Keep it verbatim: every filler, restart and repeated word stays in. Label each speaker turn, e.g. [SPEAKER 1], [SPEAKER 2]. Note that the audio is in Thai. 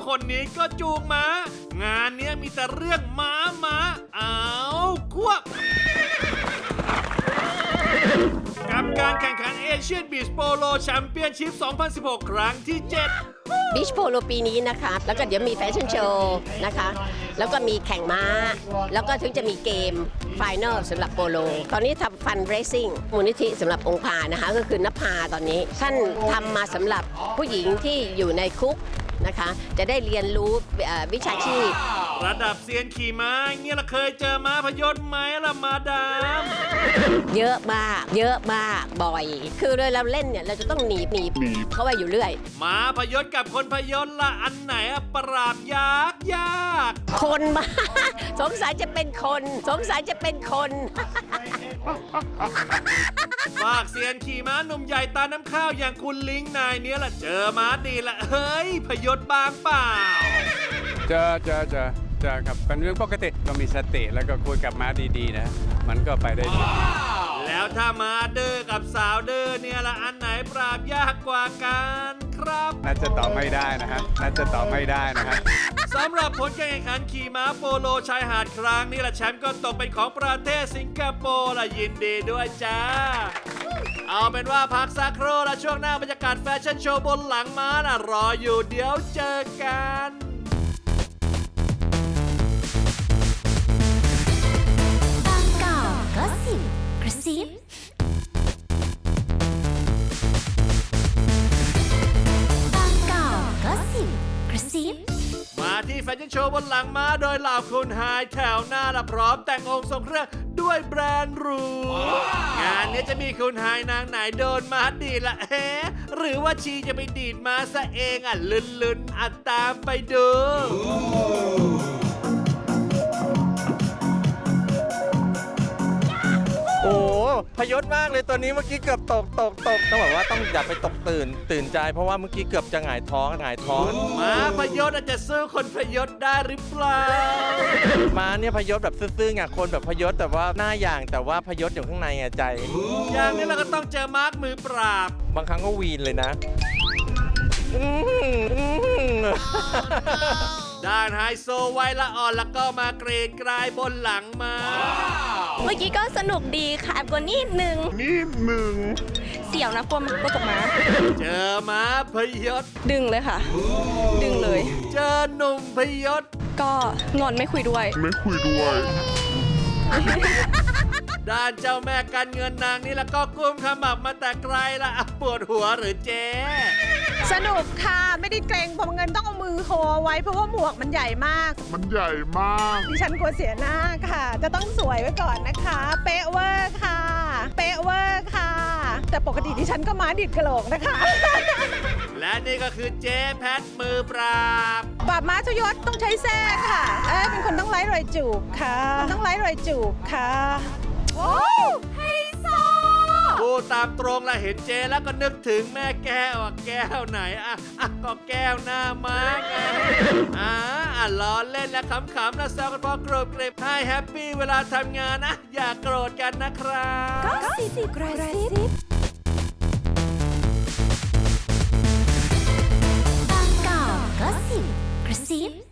[SPEAKER 1] คนนี้ก็จูงม้างานเนี้ยมีแต่เรื่องม้าม้าเอาควบกับการแข่งขันเอเชียนบีชโปโลแชมเปี้ยนชิพ สองพันสิบหก ครั้งที่ เจ็ด
[SPEAKER 2] บีชโปโลปีนี้นะคะแล้วก็เดี๋ยวมีแฟชั่นโชว์นะคะแล้วก็มีแข่งม้าแล้วก็ถึงจะมีเกมไฟแนลสำหรับโปโลตอนนี้ทำฟันเรซซิ่งมูลนิธิสำหรับองค์พานะคะก็คือนภาตอนนี้ท่านทำมาสำหรับผู้หญิงที่อยู่ในคุกนะคะจะได้เรียนรู้วิชาชีพ
[SPEAKER 1] ระดับเซียนขี่ม้าเงี้ยเราเคยเจอม้าพยศไหมล่ะมาดาม
[SPEAKER 2] เยอะมากเยอะมากบ่อยคือเลยเราเล่นเนี่ยเราจะต้องหนีบหนีบเข้าไปอยู่เรื่อย
[SPEAKER 1] ม้าพยศกับคนพยศละอันไหนปราบยากยาก
[SPEAKER 2] คนมาสงสัยจะเป็นคนสงสัยจะเป็นคน
[SPEAKER 1] ฝากเซียนขี่ม้าหนุ่มใหญ่ตาน้ำข้าวอย่างคุณลิงนายเนี้ยละเจอม้าดีละเฮ้ยพยศบางเปล่า
[SPEAKER 3] เจอเจอเจอเจอครับเป็นเรื่องปกติก็มีสติแล้วก็คุยกับม้าดีๆนะมันก็ไปได้ดี
[SPEAKER 1] แล้วถ้าม้าเด้อกับสาวเด้อเนี่ยละอันไหนปราบยากกว่ากันครับ
[SPEAKER 3] น่าจะตอบไม่ได้นะฮะน่าจะตอบไม่ได้นะฮะ
[SPEAKER 1] สำหรับผลการแข่งขันขี่ม้าโปโลชายหาดครั้งนี้ละแชมป์ก็ตกเป็นของประเทศสิงคโปร์ละยินดีด้วยจ้าเอาเป็นว่าพักสักครู่ละช่วงหน้าบรรยากาศแฟชั่นโชว์บนหลังม้านะรออยู่เดี๋ยวเจอกัน
[SPEAKER 4] ก็สิบกระซิบกก็สิบกระซิบ
[SPEAKER 1] มาที่แฟชั่นโชว์บนหลังม้าโดยเหล่าคุณไฮแถวหน้าละพร้อมแต่งองค์ทรงเครื่องด้วยแบรนด์หรูงานนี้จะมีคุณไฮนางไหนโดนม้าดีละเอ๊ะหรือว่าชีจะไปดีดม้าซะเองอ่ะลุ้นๆอ่ะตามไปดู
[SPEAKER 5] โอ้พยศมากเลยตัวนี้เมื่อกี้เกือบตกตกตกต้องบอกว่าต้องอย่าไปตกตื่นตื่นใจเพราะว่าเมื่อกี้เกือบจะหงายท้องหงายท้อง
[SPEAKER 1] ม้าพยศอาจจะสู้คนพยศได้หรือเปล่า
[SPEAKER 5] ม้าเนี่ยพยศแบบซื่อๆไงคนแบบพยศแต่ว่าหน้าอย่างแต่ว่าพยศอยู่ข้างในไงใจ
[SPEAKER 1] อย่างนี้เราก็ต้องเจอมาร์กมือปราบบ
[SPEAKER 5] างครั้งก็วีนเลยนะ
[SPEAKER 1] ด้านไฮโซไวละอ่อนแล้วก็มาเกรดกลายบนหลังมา
[SPEAKER 6] เมื่อกี้ก็สนุกดีค่ะแอบกว่านิดนึง
[SPEAKER 1] นิดนึง
[SPEAKER 6] เสี่ยวนะกลัวมันกลัวกับม้า
[SPEAKER 1] เจอม้าพยศ
[SPEAKER 6] ดึงเลยค่ะดึงเลย
[SPEAKER 1] เจอหนุ่มพยศ
[SPEAKER 6] ก็งอนไม่คุยด้วย
[SPEAKER 1] ไม่คุยด้วยด้านเจ้าแม่การเงินนางนี่แล้วก็กุ้มขมับมาแต่ไกลละปวดหัวหรือเจ๊
[SPEAKER 7] สนุกค่ะไม่ได้เกรงเพราะเงินต้องเอามือโคไว้เพราะว่าหมวกมันใหญ่มาก
[SPEAKER 1] มันใหญ่มาก
[SPEAKER 7] ดิฉันกลัวเสียหน้าค่ะจะต้องสวยไว้ก่อนนะคะเป๊ะเวอร์ค่ะเป๊ะเวอร์ค่ะแต่ปกติดิฉันก็ม้าดิดกระโหลกนะคะ
[SPEAKER 1] และนี่ก็คือเจ๊แพทมือปราบ
[SPEAKER 7] ปราบม้าชยศต้องใช้แท้ค่ะเอ้เป็นคนต้องไล่รอยจูบค่ะต้องไล่รอยจูบค่ะโอ้ไฮโซ
[SPEAKER 1] พูดตามตรงละเห็นเจแล้วก็นึกถึงแม่แก้วอ่ะแก้วไหนอ่ะอ่ะก็แก้วหน้าม้าไงอ่าอ่ะล้อเล่นและขำๆและแซวกันพอกรบเกรบให้แฮปปี้เวลาทำงานนะอย่าโกรธกันนะครับ
[SPEAKER 4] ก็สิบกระซิบก็สิบกระซิบ